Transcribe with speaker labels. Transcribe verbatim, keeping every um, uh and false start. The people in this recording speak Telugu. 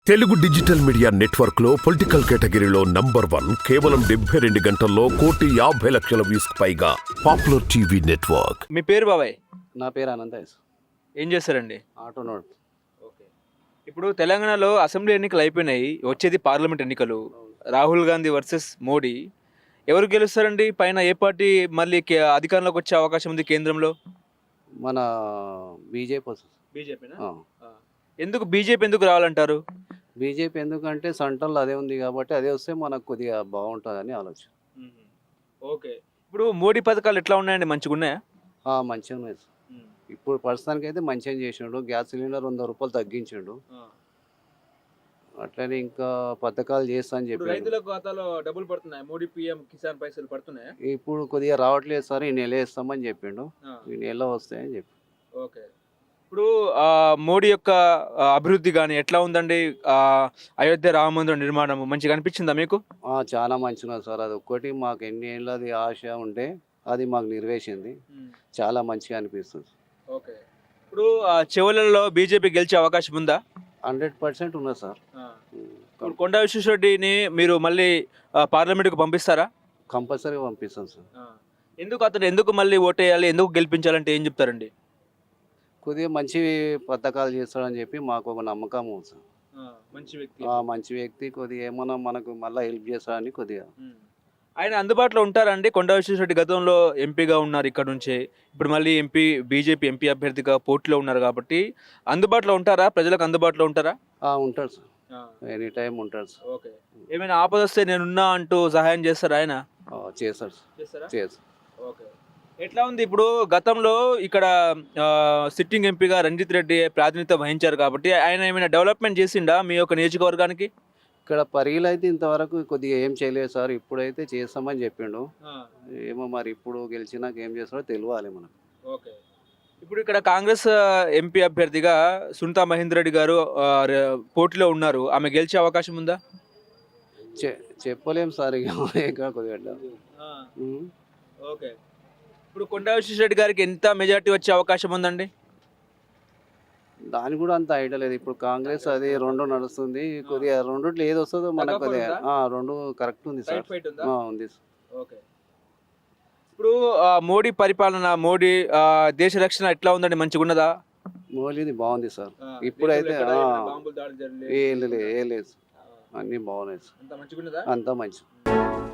Speaker 1: తెలుగు డిజిటల్ మీడియా నెట్వర్క్ లో పొలిటికల్ కేటగిరీలో నంబర్ వన్ కేవలం డెబ్బై రెండు గంటల్లో కోటి యాభై లక్షల వ్యూస్ పైగా పాపులర్ టీవీ నెట్వర్క్.
Speaker 2: మీ పేరు బాబాయ్?
Speaker 3: నా పేరు అనంతేష్.
Speaker 2: ఏం చేస్తారండి?
Speaker 3: Auto note.
Speaker 2: ఓకే. ఇప్పుడు తెలంగాణలో అసెంబ్లీ ఎన్నికలు అయిపోయినాయి, వచ్చేది పార్లమెంట్ ఎన్నికలు. రాహుల్ గాంధీ వర్సెస్ మోడీ. ఎవరు గెలుస్తారండి? పైన ఏ పార్టీ మళ్ళీ కే- అధికారంలోకి వచ్చే అవకాశం ఉంది కేంద్రంలో?
Speaker 3: మన బీజేపీ వస్తుంది.
Speaker 2: బీజేపీనా?
Speaker 3: ఆ.
Speaker 2: ఎందుకు బీజేపీ ఎందుకు రావాలంటారు?
Speaker 3: బీజేపీ ఎందుకంటే సెంట్రల్ అదే ఉంది కాబట్టి అదే వస్తే మనకు కొద్దిగా బాగుంటుందని ఆలోచన.
Speaker 2: ఓకే. ఇప్పుడు మోడీ పథకాలు ఎట్లా ఉన్నాయండి? మంచిగా ఉన్నాయా?
Speaker 3: ఆ, మంచిగా ఉన్నాయి సార్. ఇప్పుడు ప్రస్తుతానికి అయితే మంచిగా చేసిండు. గ్యాస్ సిలిండర్ వంద రూపాయలు తగ్గించిండు. అట్లనే ఇంకా పథకాలు చేస్తా అని
Speaker 2: ఇప్పుడు
Speaker 3: చెప్పి
Speaker 2: రైతుల ఖాతాలో డబ్బులు పడుతున్నాయి, మోడీ పీఎం కిసాన్ పైసలు పడుతున్నాయా?
Speaker 3: ఇప్పుడు కొద్దిగా రావట్లేదు సార్, ఈ నెల వేస్తామని చెప్పిండు. ఈ నెల వస్తాయని చెప్పి.
Speaker 2: ఓకే. ఇప్పుడు ఆ, మోడీ యొక్క ఆ, అభివృద్ధి కానీ ఎట్లా ఉందండి? ఆ, అయోధ్య రామ మందిరం నిర్మాణం మంచిగా అనిపించిందా మీకు?
Speaker 3: ఆ, చాలా మంచిగా సార్. అది ఒక్కటి మాకు ఎన్ని ఏళ్ళది ఆశ ఉంటే అది మాకు నెరవేర్చింది. చాలా మంచిగా అనిపిస్తుంది.
Speaker 2: ఓకే. ఇప్పుడు ఆ, చివరలలో బీజేపీ గెలిచే అవకాశం ఉందా?
Speaker 3: హండ్రెడ్ పర్సెంట్ ఉన్నది సార్.
Speaker 2: ఇప్పుడు కొండా విశ్వేశ్వరరెడ్డిని మీరు మళ్ళీ ఆ, పార్లమెంటుకు పంపిస్తారా?
Speaker 3: కంపల్సరీగా పంపిస్తాం సార్.
Speaker 2: ఎందుకు అతను ఎందుకు మళ్ళీ ఓటేయాలి, ఎందుకు గెలిపించాలంటే ఏం చెప్తారండి?
Speaker 3: కొద్దిగా మంచి పథకాలు చేస్తాడని చెప్పి మాకు ఒక నమ్మకం ఉంది సార్.
Speaker 2: మంచి వ్యక్తి.
Speaker 3: ఆ, మంచి వ్యక్తి, కొద్దిగా ఏమన్నా మనకు మళ్ళీ హెల్ప్ చేస్తాడని కొద్దిగా.
Speaker 2: ఆయన అందుబాటులో ఉంటారండి? కొండా విశ్వేశ్వరరెడ్డి గతంలో ఎంపీగా ఉన్నారు ఇక్కడ నుంచే, ఇప్పుడు మళ్ళీ ఎంపీ బీజేపీ ఎంపీ అభ్యర్థిగా పోటీలో ఉన్నారు కాబట్టి అందుబాటులో ఉంటారా? ప్రజలకు అందుబాటులో ఉంటారా?
Speaker 3: ఆ, ఉంటాడు సార్. ఎనీ టైం ఉంటాడు సార్.
Speaker 2: ఓకే. ఏమైనా ఆపద వస్తే నేనున్నా అంటూ సహాయం చేస్తారా ఆయన?
Speaker 3: ఆ, చేస్తాడు సార్.
Speaker 2: చేస్తారా?
Speaker 3: చేస్తాడు.
Speaker 2: ఓకే. ఎట్లా ఉంది ఇప్పుడు? గతంలో ఇక్కడ ఆ, సిట్టింగ్ ఎంపీగా రంజిత్ రెడ్డి ప్రాతినిధ్యం వహించారు కాబట్టి ఆయన ఏమైనా డెవలప్మెంట్ చేసిండా మీ యొక్క నియోజకవర్గానికి?
Speaker 3: ఇక్కడ పరిగిలు అయితే ఇంతవరకు కొద్దిగా ఏం చేయలేదు సార్. ఇప్పుడైతే చేస్తామని చెప్పిండు. ఏమో మరి ఇప్పుడు గెలిచినాక ఏం చేస్తాడో తెలియాలి మనకు.
Speaker 2: ఓకే. ఇప్పుడు ఇక్కడ కాంగ్రెస్ ఎంపీ అభ్యర్థిగా సునీతా మహేందర్ రెడ్డి గారు ఆ, ర- పోటీలో ఉన్నారు. ఆమె గెలిచే అవకాశం ఉందా?
Speaker 3: చె చెప్పలేం సార్. ఇక ఇక్కడ కొద్దిగా ఉమ్.
Speaker 2: ఓకే. ఇప్పుడు కొండా విశ్వేశ్వరరెడ్డి గారికి ఎంత మెజారిటీ వచ్చే అవకాశం ఉందండి?
Speaker 3: దాని కూడా అంత ఐడియా లేదు. ఇప్పుడు కాంగ్రెస్ అది రెండు నడుస్తుంది. కొద్దిగా రెండుట్లో ఏది వస్తుందో మనకు
Speaker 2: తగ్గకుండా
Speaker 3: కొద్దిగా
Speaker 2: ఉందా?
Speaker 3: ఆ, రెండు కరెక్ట్ ఉంది సార్.
Speaker 2: రైట్ ఫైట్ ఉందా?
Speaker 3: ఆ, ఉంది సార్.
Speaker 2: ఓకే. ఇప్పుడు ఆ, మోడీ పరిపాలన, మోడీ ఆ, దేశ రక్షణ ఎట్లా ఉందండి? మంచిగా ఉన్నదా?
Speaker 3: మోలీది బాగుంది సార్.
Speaker 2: ఆ,
Speaker 3: ఇప్పుడైతే
Speaker 2: దేశంలో ఎక్కడ
Speaker 3: ఆ,
Speaker 2: ఏమైనా బాంబులు దాడి జరగలేదు?
Speaker 3: ఏ లేదు ఏ లేదు సార్.
Speaker 2: ఆ,
Speaker 3: అన్నీ బాగున్నాయి సార్.
Speaker 2: అంతా మంచిగా ఉన్నదా?
Speaker 3: అంతా మంచి.